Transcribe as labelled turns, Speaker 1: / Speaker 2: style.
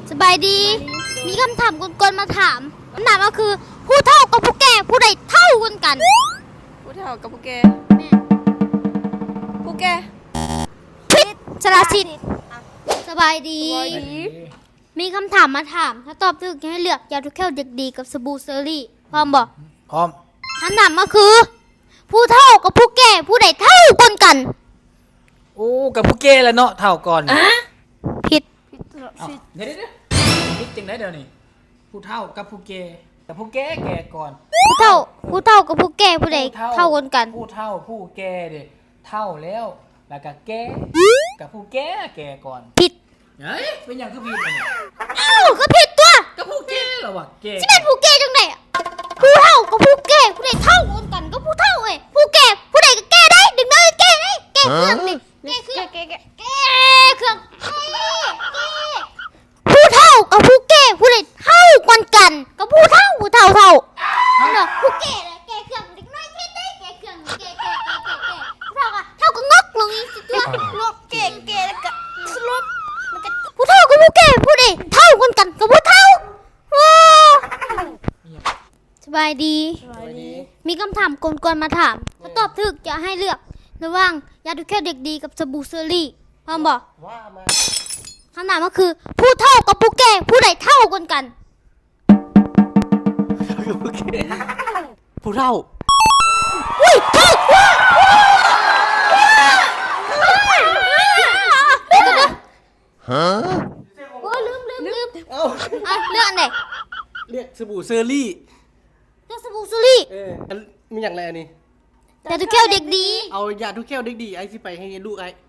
Speaker 1: สบายดี มีคำถามกวนๆมาถามคำถามก็คือผู้เฒ่ากับผู้แก่ผู้ใดเท่ากัน
Speaker 2: ผู้เฒ่ากับผู้แก่
Speaker 1: แม่
Speaker 2: ผู้แก่
Speaker 1: พิษสารสิทธิ์สบายดี
Speaker 2: สบายดี
Speaker 1: มีคำถามมาถาม ถ้าตอบถูกจะให้เลือกยาทุกแก้วเด็กดีกับสบู่เซอรี่พร้อมบอก
Speaker 3: พร้อม
Speaker 1: คำถามก็คือ ผู้เฒ่ากับผู้แก่ผู้ใดเท่ากัน
Speaker 3: โอ้กับผู้เก้แล้วเนาะเท่าก่อน
Speaker 1: ผิด
Speaker 2: พิษสาร
Speaker 3: เอ้า
Speaker 2: สิทธิ์
Speaker 3: เดี๋ยวคิดจังได้เดี๋ยวนี้ผู้เท่ากับผู้เก้แต่ผู้แก่แก่ก่อน
Speaker 1: ผู้เฒ่ากับผู้แก่ผู้ใดเท่ากัน
Speaker 3: ผู้เท่าผู้แก่เด็เท่าแล้วแล้วก็แก่กับผู้แก่แก่ก่อน
Speaker 1: ผิด
Speaker 3: เฮ้ยเป็นอย่างคือผิดอันนี้
Speaker 1: อ้าวก็ผิดตัว
Speaker 3: กับผู้แก่เหรอวะแก่
Speaker 1: ที่เป็นผู้แก่จังไดอะผู้เฒ่ากับผู้แก่ผู้ใดเท่ากันก็ผู้เฒ่าเอ้ยผู้แก่ผู้ใดก็แก่ได้ดึงได้แก่ได้แก่เครื่องดิแก่เครื่องแก่เครื่องผู้เฒ่ากับผู้แก่ผู้ใดเท่ากันก็ผู้เฒ่าเอาเนาะผู้แก่เลยแก่เครื่องเด็กน้อยแก่ได้แก่เครื่องแก่ผู้เฒ่าก็เท่ากับงอกลงอีกสิตัวงอกแก่แล้วก็สลบแล้วก็ผู้เฒ่ากับผู้แก่ผู้ใดเท่ากันก็ผู้เฒ่าว้าวสบายดี
Speaker 2: สบายดี
Speaker 1: มีคำถามกวนๆมาถาม ถ้าตอบถูกจะให้เลือกระหว่างยาดูแค่เด็กดีกับสบู่เซอรี่พร้อมบอก
Speaker 2: ว่ามา
Speaker 1: คำถามก็คือ ผู้เฒ่ากับผู้แก่ผู้ใดเท่ากัน
Speaker 2: ผู้แก่ผู้เฒ่า
Speaker 1: อุ้ยถูกโอ้ลืม
Speaker 2: เอ้า
Speaker 1: อ่ะเลือกอันไหน
Speaker 2: เรียกสบู่เซอรี่
Speaker 1: เลือกสบู่เซอรี่
Speaker 2: อันมีอย่างไรอันนี้
Speaker 1: ยาดูแค่เด็กดี
Speaker 2: เอายาทุกแก้วเด็กดีไอ้สิไปให้ลูกไอ้